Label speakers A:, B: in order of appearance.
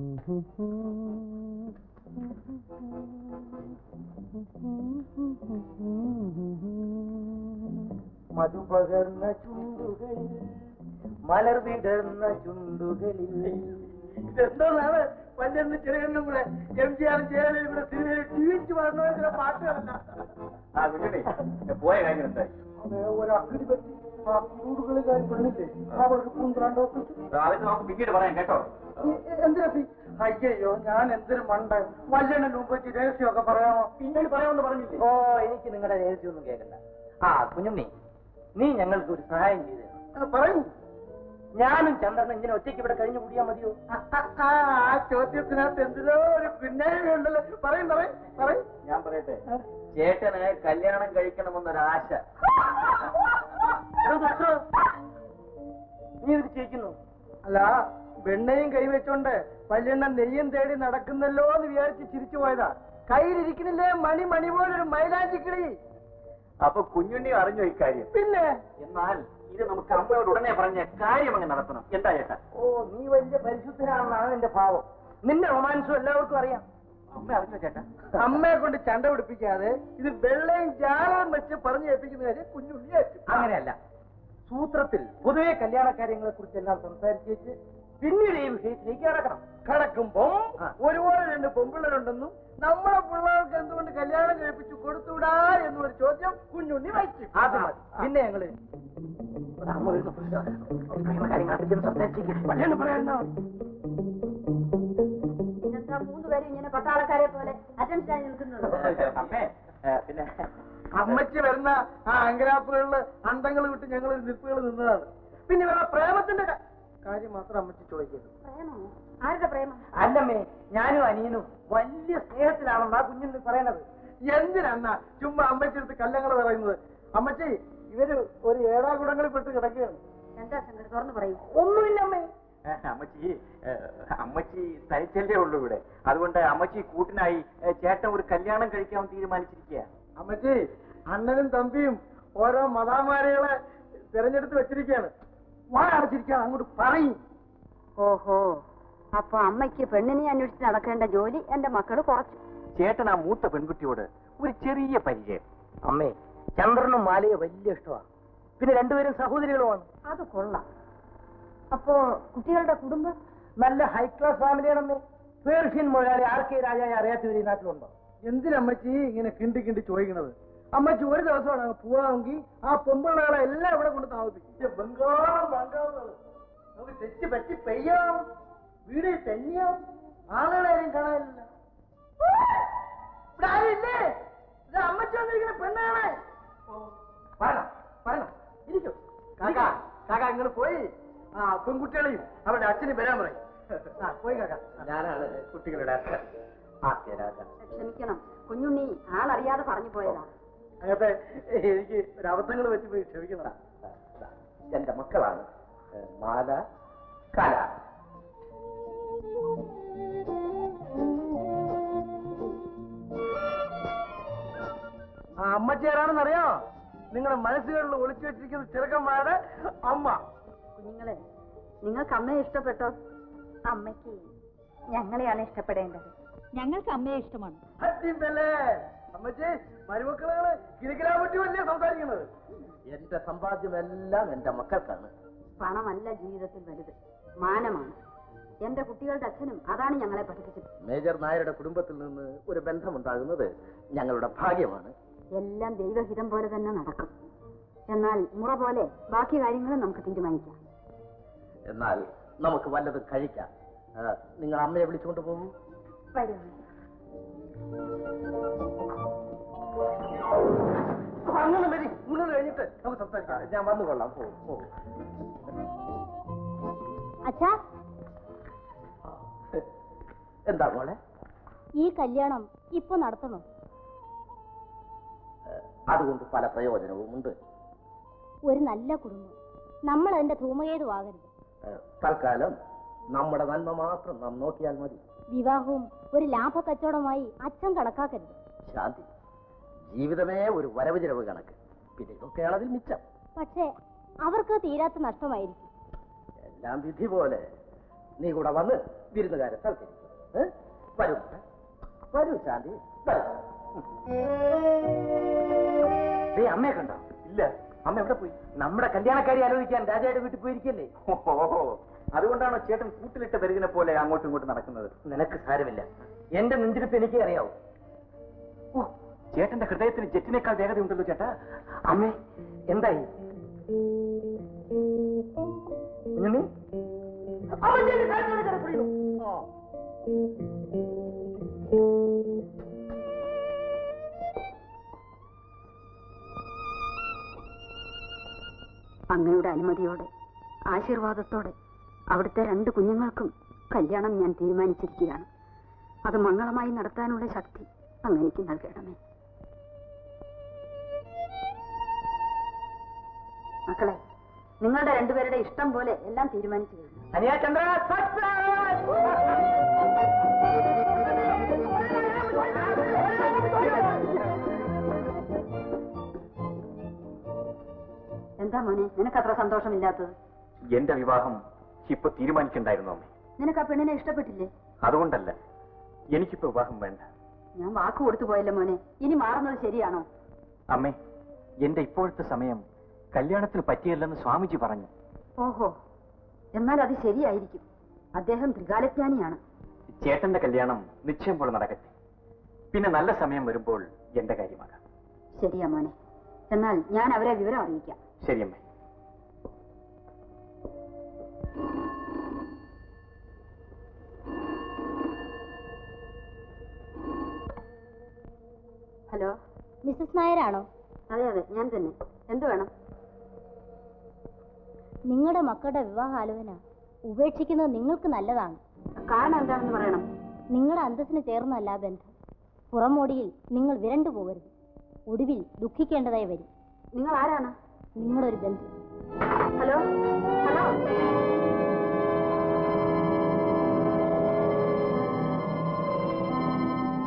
A: മധുപകർന്ന ചുണ്ടുകളിൽ മലർ വിടർന്ന ചുണ്ടുകളിൽ. ഇതെന്താണ് പല്ലെന്ന് ചെറിയെണ്ണം കൂടെ MGR ജയലളിതയും കൂടെ സിനിമയിൽ ജീവിച്ചു പറഞ്ഞ പാട്ടുകളല്ല. പോയ കാര്യം എന്തായി? ഒരു അക്കിടി പറ്റി ആ ചൂടുകളിലായി പെണ്ണില്ലേ അവർക്ക് പൂന്തറാണ്ടോ പിന്നീട് പറയാം കേട്ടോ. എന്തിനാ? അയ്യോ ഞാൻ എന്തൊരു മണ്ട. വല്യണ്ണന്റെ മുമ്പ് വെച്ച് രഹസ്യമൊക്കെ പറയാമോ? പിന്നീട് പറയാമെന്ന് പറഞ്ഞില്ലേ? ഓ എനിക്ക് നിങ്ങളുടെ രഹസ്യമൊന്നും കേൾക്കണ്ട. ആ കുഞ്ഞുണ്ണി, നീ ഞങ്ങൾക്ക് ഒരു സഹായം ചെയ്തു പറയൂ. ഞാനും ചന്ദ്രനും ഇങ്ങനെ ഒറ്റയ്ക്ക് ഇവിടെ കഴിഞ്ഞു കൂടിയാ മതിയോ? ആ ചോദ്യത്തിനകത്ത് എന്തിനോ ഒരു പിന്നേയുണ്ടല്ലോ. പറയും പറയും പറയും. ഞാൻ പറയട്ടെ, ചേട്ടന് കല്യാണം കഴിക്കണമെന്നൊരാശ. നീ ഇത് ചെയ്യിക്കുന്നു? അല്ല, വെണ്ണയും കൈവച്ചോണ്ട് വല്യണ്ണൻ നെയ്യും തേടി നടക്കുന്നല്ലോ എന്ന് വിചാരിച്ച് ചിരിച്ചു പോയതാ. കയ്യിലിരിക്കുന്നില്ലേ മണി മണി പോലൊരു മൈലാഞ്ചിക്കിളി. അപ്പൊ കുഞ്ഞുണ്ണി അറിഞ്ഞു ഇക്കാര്യം? പിന്നെ. എന്നാൽ ഇത് നമുക്ക് അമ്മയോട് ഉടനെ പറഞ്ഞ കാര്യം അങ്ങ് നടത്തണം. എന്താ ചേട്ടാ? ഓ, നീ വലിയ പരിശുദ്ധനാണെന്നാണ് എന്റെ ഭാവം. നിന്റെ റൊമാൻസും എല്ലാവർക്കും അറിയാം. അമ്മ അറിഞ്ഞോ ചേട്ടാ? അമ്മയെ കൊണ്ട് ചണ്ട പിടിപ്പിക്കാതെ ഇത് വെള്ളയും ജാലവും വെച്ച് പറഞ്ഞു ഏൽപ്പിക്കുന്ന കാര്യം കുഞ്ഞുണ്ണി ആയിരിക്കും. അങ്ങനെയല്ല, സൂത്രത്തിൽ പൊതുവെ കല്യാണ കാര്യങ്ങളെ കുറിച്ചെല്ലാം സംസാരിച്ച് വെച്ച് പിന്നീട് ഈ വിഷയത്തിലേക്ക് കടക്കണം. കടക്കുമ്പോ ഒരുപാട് രണ്ട് പെൺപിള്ളേരുണ്ടെന്നും നമ്മളെ പിള്ളേർക്ക് എന്തുകൊണ്ട് കല്യാണം കഴിപ്പിച്ചു കൊടുത്തുവിടാ എന്നൊരു ചോദ്യം കുഞ്ഞുണ്ണി വയ്ക്കും. പിന്നെ ഞങ്ങള്
B: മൂന്നുപേരും ഇങ്ങനെ പട്ടാളക്കാരെ പോലെ അറ്റൻഷൻ നിൽക്കുന്നത്.
A: പിന്നെ അമ്മയ്ക്ക് വരുന്ന ആ അങ്കരാപ്പുകളില് അന്തങ്ങൾ വിട്ട് ഞങ്ങൾ നിൽപ്പുകൾ നിന്നതാണ്. പിന്നെ വേറെ പ്രേമത്തിന്റെ കാര്യം മാത്രം അമ്മച്ചി ചോദിക്കരുത്.
B: ആരുടെ പ്രേമം?
A: അല്ലമ്മേ, ഞാനും അനിയനും വലിയ സ്നേഹത്തിലാണെന്നാ കുഞ്ഞിന് പറയണത്. എന്തിനാ ചുമ്മാ അമ്മച്ചെടുത്ത് കല്ലങ്ങൾ പറയുന്നത്? അമ്മച്ചി, ഇവര് ഒരു ഏടാകുടങ്ങളിൽ പെട്ട് കിടക്കുകയാണ്.
B: എന്താ ശങ്കർ, തുറന്നു പറയൂ.
A: ഒന്നുമില്ല അമ്മേ.
C: അമ്മച്ചി തനിച്ചല്ലേ ഉള്ളൂ ഇവിടെ. അതുകൊണ്ട് അമ്മച്ചി കൂട്ടിനായി ചേട്ടൻ ഒരു കല്യാണം കഴിക്കാൻ തീരുമാനിച്ചിരിക്കുക.
A: അമ്മച്ചി, അണ്ണനും തമ്പിയും ഓരോ മതാമാരികളെ തിരഞ്ഞെടുത്ത് വെച്ചിരിക്കുകയാണ്. വാ അടച്ചിരിക്കുകയാണ്, അങ്ങോട്ട് പറയും.
B: ഓഹോ, അപ്പൊ അമ്മയ്ക്ക് പെണ്ണിനെ അന്വേഷിച്ച് നടക്കേണ്ട ജോലി എന്റെ മക്കള് കുറച്ചു.
C: ചേട്ടൻ ആ മൂത്ത പെൺകുട്ടിയോട് ഒരു ചെറിയ പരിചയം.
A: അമ്മേ, ചന്ദ്രനും മാലയെ വലിയ ഇഷ്ടമാണ്. പിന്നെ രണ്ടുപേരും സഹോദരികളുമാണ്.
B: അത് കൊള്ളാം. അപ്പോ കുട്ടികളുടെ കുടുംബം
A: നല്ല ഹൈ ക്ലാസ് ഫാമിലിയാണമ്മേ. പേർഷ്യൻ മുതലാളി RK രാജായെ അറിയാത്തവർ ഈ നാട്ടിലുണ്ടോ? എന്തിനമ്മച്ചി ഇങ്ങനെ കിണ്ടി കിണ്ടി ചോദിക്കണത്? അമ്മച്ചി ഒരു ദിവസമാണ് പോവാമെങ്കിൽ ആ പൊമ്പിള്ളകളെ എല്ലാം ഇവിടെ കൊണ്ട് താമസിപ്പിക്കും. ബംഗാളം ബംഗാളുകൾ നമുക്ക് തെറ്റ് പറ്റി പെയ്യാം, വീട് തന്നെയാം, ആളുകളെ ആരും കാണാനില്ല. ഇവിടെ ആരില്ലേ? ഇത് അമ്മച്ചി വന്നിരിക്കുന്ന പെണ്ണാണ്. പറയണം പറയണം, ഇരിക്കും. കാക്ക കാക്ക ഇങ്ങനെ പോയി ആ പെൺകുട്ടികളെയും അവരുടെ അച്ഛനും വരാൻ പറയും. പോയി കാക്ക. ഞാനാണ് കുട്ടികളുടെ അച്ഛൻ.
B: ക്ഷമിക്കണം, കുഞ്ഞുണ്ണി ആളറിയാതെ പറഞ്ഞു പോയതാ.
A: അങ്ങനത്തെ എനിക്ക് ഒരു അബദ്ധങ്ങൾ വെച്ച് പോയി ക്ഷമിക്കണം.
C: എന്റെ മക്കളാണ് മാല, കല.
A: ആ അമ്മച്ചി ആരാണെന്ന് അറിയാമോ? നിങ്ങളുടെ മനസ്സുകളിൽ ഒളിച്ചു വെച്ചിരിക്കുന്ന ചെറുക്കന്മാരുടെ അമ്മ.
B: കുഞ്ഞുങ്ങളെ, നിങ്ങൾക്ക് അമ്മയെ ഇഷ്ടപ്പെട്ടോ?
D: അമ്മയ്ക്ക് ഞങ്ങളെയാണ് ഇഷ്ടപ്പെടേണ്ടത്.
B: ഞങ്ങൾക്ക് അമ്മയെ ഇഷ്ടമാണ്.
A: അമ്മച്ചി, മരുമക്കളാണ് കിഴക്കിലാ പറ്റി വലിയ സംസാരിക്കുന്നത്.
C: എന്റെ സമ്പാദ്യമെല്ലാം എന്റെ മക്കൾക്കാണ്.
B: പണമല്ല ജീവിതത്തിൽ വലുത്, മാനമാണ്. എന്റെ കുട്ടികളുടെ അച്ഛനും അതാണ് ഞങ്ങളെ പഠിപ്പിച്ചത്.
C: മേജർ നായരുടെ കുടുംബത്തിൽ നിന്ന് ഒരു ബന്ധമുണ്ടാകുന്നത് ഞങ്ങളുടെ ഭാഗ്യമാണ്.
B: എല്ലാം ദൈവഹിതം പോലെ തന്നെ നടക്കും. എന്നാൽ മുറ പോലെ ബാക്കി കാര്യങ്ങളും നമുക്ക് തീരുമാനിക്കാം.
C: എന്നാൽ നമുക്ക് വല്ലതും കഴിക്കാം. നിങ്ങൾ അമ്മയെ വിളിച്ചുകൊണ്ട് പോകും.
A: അങ്ങനെ വരി, മുന്നോട്ട് കഴിഞ്ഞിട്ട് നമുക്ക് സംസാരിക്കാം. ഞാൻ വന്നുകൊള്ളാം. പോകും.
D: അച്ഛാ,
C: എന്താ മോളെ?
D: ഈ കല്യാണം ഇപ്പൊ നടത്തണോ?
C: അതുകൊണ്ട് പല പ്രയോജനവുമുണ്ട്.
D: ഒരു നല്ല കുടുംബം, നമ്മൾ അതിന്റെ ധൂമകേതുവാകരുത്.
C: തൽക്കാലം നമ്മുടെ നന്മ മാത്രം നാം നോക്കിയാൽ മതി.
D: വിവാഹവും ഒരു ലാഭ കച്ചവടമായി അച്ഛൻ കണക്കാക്കരുത്.
C: ശാന്തി, ജീവിതമേ ഒരു വരവ് ചിലവ് കണക്ക്. പിന്നെ ഇതൊക്കെയാണ് അതിൽ മിച്ചം.
D: പക്ഷേ അവർക്ക് തീരാത്ത നഷ്ടമായിരിക്കും.
C: എല്ലാം വിധി പോലെ. നീ കൂടെ വന്ന്
A: വിരുന്നുകാരെ സൽക്കരിക്കുക. വരൂ വരൂ ശാന്തി വരൂ. അമ്മയെ കണ്ടോ?
C: ഇല്ല. അമ്മ എവിടെ പോയി?
A: നമ്മുടെ കല്യാണക്കാരി ആലോചിക്കാൻ രാജായുടെ വീട്ടിൽ പോയിരിക്കല്ലേ.
C: ഓഹോ, അതുകൊണ്ടാണോ ചേട്ടൻ കൂട്ടിലിട്ട പെരുകിനെ പോലെ അങ്ങോട്ടും ഇങ്ങോട്ടും നടക്കുന്നത്?
A: നിനക്ക് സാരമില്ല, എന്റെ നെഞ്ചിരിപ്പ് എനിക്ക് അറിയാവൂ.
C: ഓ, ചേട്ടന്റെ ഹൃദയത്തിന് ജെറ്റിനേക്കാൾ വേഗതയുണ്ടല്ലോ ചേട്ടാ.
A: അമ്മേ എന്തായി? കുഞ്ഞുണ്ണി?
B: അങ്ങയുടെ അനുമതിയോടെ ആശീർവാദത്തോടെ അവിടുത്തെ 2 കുഞ്ഞുങ്ങൾക്കും കല്യാണം ഞാൻ തീരുമാനിച്ചിരിക്കുകയാണ്. അത് മംഗളമായി നടത്താനുള്ള ശക്തി അങ്ങനെക്ക് നൽകണമേ. മക്കളെ, നിങ്ങളുടെ 2 പേരുടെ ഇഷ്ടം പോലെ എല്ലാം തീരുമാനിച്ചു കഴിഞ്ഞു.
A: അനിയാചന്ദ്ര
B: എന്താ മോനെ നിനക്കത്ര സന്തോഷമില്ലാത്തത്?
C: എന്റെ വിവാഹം ഇപ്പൊ തീരുമാനിക്കണ്ടായിരുന്നു അമ്മേ.
B: നിനക്ക് ആ പെണ്ണിനെ ഇഷ്ടപ്പെട്ടില്ലേ?
C: അതുകൊണ്ടല്ല, എനിക്കിപ്പോ വിവാഹം വേണ്ട.
B: ഞാൻ വാക്ക് കൊടുത്തു പോയല്ലോ മോനെ, ഇനി മാറുന്നത് ശരിയാണോ?
C: അമ്മേ, എന്റെ ഇപ്പോഴത്തെ സമയം കല്യാണത്തിന് പറ്റിയല്ലെന്ന് സ്വാമിജി പറഞ്ഞു.
B: ഓഹോ, എന്നാൽ അത് ശരിയായിരിക്കും. അദ്ദേഹം ത്രികാലജ്ഞാനിയാണ്.
C: ചേട്ടന്റെ കല്യാണം നിശ്ചയം പോലെ നടക്കട്ടെ. പിന്നെ നല്ല സമയം വരുമ്പോൾ എന്റെ കാര്യമാകാം.
B: ശരിയാ മോനെ, എന്നാൽ ഞാൻ അവരെ വിവരം അറിയിക്കാം.
C: ശരി അമ്മേ.
B: ഹലോ,
D: മിസ്സസ് നായരാണോ?
B: അതെ അതെ, ഞാൻ തന്നെ. എന്ത് വേണം?
D: നിങ്ങളുടെ മക്കളുടെ വിവാഹാലോചന ഉപേക്ഷിക്കുന്നത് നിങ്ങൾക്ക് നല്ലതാണ്.
B: കാരണം എന്താണെന്ന് പറയണം.
D: നിങ്ങളുടെ അന്തസ്സിന് ചേർന്നല്ല ബന്ധം. പുറമോടിയിൽ നിങ്ങൾ വിരണ്ടു പോകരുത്. ഒടുവിൽ ദുഃഖിക്കേണ്ടതായി വരും.
B: നിങ്ങൾ ആരാണ്?
D: നിങ്ങളൊരു ബന്ധു.
B: Hello hello